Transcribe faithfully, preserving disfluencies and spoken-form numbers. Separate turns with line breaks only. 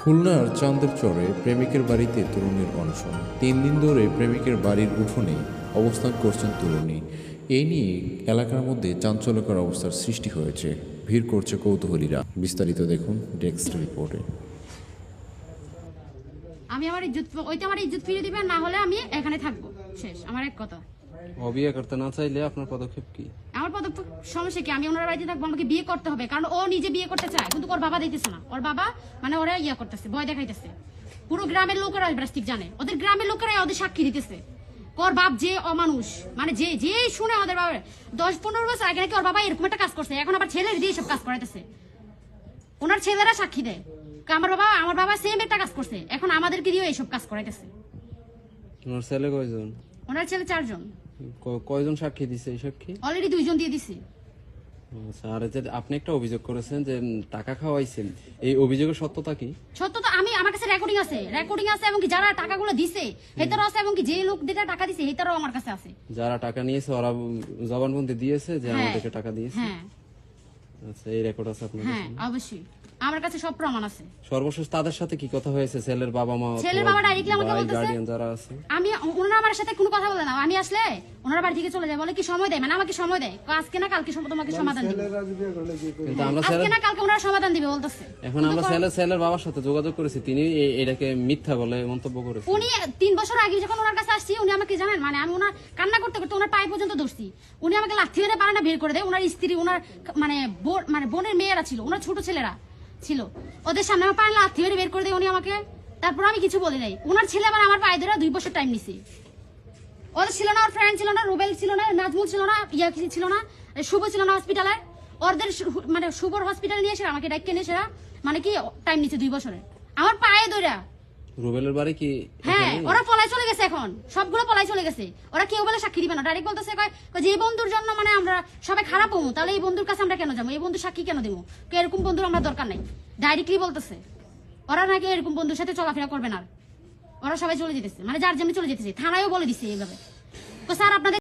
খুলনার চান্দের চরে প্রেমিকের বাড়িতে তরুণীর অনশন। তিন দিন ধরে প্রেমিকের বাড়ির উঠোনে অবস্থান করছেন তরুণী। এই নিয়ে এলাকার মধ্যে চাঞ্চল্যকর অবস্থার সৃষ্টি হয়েছে। ভিড় করছে কৌতূহলীরা। বিস্তারিত দেখুন ডেস্ক রিপোর্টে।
আমি আমার ইজ্জত ওইটা আমার ইজ্জত ফিরে দিবেন, না হলে আমি এখানে থাকবো। শেষ আমার এক কথা।
ও বিয়ে করতে না চাইলে আপনার পদক্ষেপ কি?
আমার পদক্ষেপ সমস্যা কি? আমি ওনার বাড়িতে থাকবো, আমাকে বিয়ে করতে হবে, কারণ ও নিজে বিয়ে করতে চায়, কিন্তু ওর বাবা দিতেছে না। ওর বাবা মানে ওরা ইয়া করতেছে, ভয় দেখাইতেছে। পুরো গ্রামের লোকেরা ঠিক জানে, ওদের গ্রামের লোকেরাই ওদের সাক্ষী দিতেছে। ওর বাপ যে অমানুষ, মানে যে যে শুনে ওদের বাবা দশ পনেরো বছর আগে নাকি ওর বাবা এরকম একটা কাজ করছে, এখন আবার ছেলের দিয়ে সব কাজ করাইতেছে। ওনার ছেলেরা সাক্ষী দেয় আমার বাবা আমার বাবা সেম একটা কাজ করছে, এখন আমাদেরকে দিয়ে এইসব কাজ করাইতেছে।
ওনার ছেলে কয়জন?
ওনার ছেলে চারজন।
ক- কয়জন সাক্ষী দিছে? এই সাক্ষী
অলরেডি দুইজন দিয়ে দিছে।
আচ্ছা, আর যে আপনি একটা অভিযোগ করেছেন যে উম, টাকা খাওয়াইছেন, এই অভিযোগের সত্যতা কি?
সত্য তো আমি, আমার কাছে রেকর্ডিং আছে রেকর্ডিং আছে এবং কি যারা টাকাগুলো দিছে হেতারও আছে, এবং কি যে লোক যেটা টাকা দিছে হেতারও আমার কাছে আছে।
যারা টাকা নিয়েছে ওরা উম, জবানবন্দি দিয়েছে যে
হ্যাঁ।
আমাদেরকে টাকা দিয়েছে।
হ্যাঁ
আচ্ছা, এই রেকর্ড আছে আপনার
হ্যাঁ
কাছে?
অবশ্যই আমার কাছে সব প্রমাণ আছে।
সর্বশেষ তাদের সাথে কি কথা হয়েছে? ছেলের বাবা মা,
ছেলের বাবা directly আমাকে বলতেছে-
গার্ডিয়ান যারা আছে?
আমি ওনারা আমার সাথে কোনো কথা বলে না, আমি আসলে ওনারা বাড়ি থেকে চলে যায়, বলে কি সময় দেয়, মানে আমাকে সময় দেয়, কয় আজকে না কালকে সম- তোমাকে সমাধান দিবে,
কিন্তু আমরা
আজকে
ছেলে
না কালকে ওনারা সমাধান দিবে বলতেছে।
এখন আমরা ছেলে ছেলের বাবার সাথে যোগাযোগ করেছি, তিনি এ- এটাকে মিথ্যা বলে মন্তব্য করেছেন।
উনি তিন বছর আগে যখন ওনার কাছে আসছি, উনি আমাকে জানেন, মানে আমি ওনার কান্না করতে করতে ওনার পায়ে পর্যন্ত ধরছি, উনি আমাকে লাথি মেরে বারান্দা বের করে দেয়। ওনার স্ত্রী, ওনার মানে বোন, মানে বোনের মেয়েরা ছিল, ওনার ছোট ছেলেরা ছিল, ওদের সামনে আমার পায়ে লাথি মেরে বের করে দেয় উনি আমাকে। তারপর আমি কিছু বলি নাই। ওনার ছেলে আবার আমার পায়ে ধরে দুই বছর টাইম নিছে। ওদের ছিল না, ওর ফ্রেন্ড ছিল না, রুবেল ছিল না, নাজমুল ছিল না, ইয়া কিছু ছিল না, শুভ ছিল না হসপিটালে। ওদের শু- মানে শুভর হসপিটালে নিয়ে এসে আমাকে ডাইকে নিয়ে এসে মানে কি টাইম নিচ্ছে দুই বছরে আমার পায়ে ধরে।
রুবেলের বাড়ি কি
হ্যাঁ,
এখানেই?
ওরা পলাই চলে গেছে, এখন সবগুলো পলাই চলে গেছে। ওরা কেউ বলে সাক্ষী দিবে না, ডাইরেক্ট বলতেছে কয় কয় যে এই বন্ধুর জন্য মানে আমরা সবাই খারাপ হবো, তাহলে এই বন্ধুর কাছে আমরা কেন যাবো, এই বন্ধু সাক্ষী কেন দেবো, এরকম বন্ধুর আমরা দরকার নাই। ডাইরেক্টলি বলতেছে ওরা নাকি এরকম বন্ধুর সাথে চলাফেরা করবে না, ওরা সবাই চলে যেতেছে, মানে যার যেমনি চলে যেতেছে। থানায়ও বলে দিচ্ছে এইভাবে, স্যার আপনাদের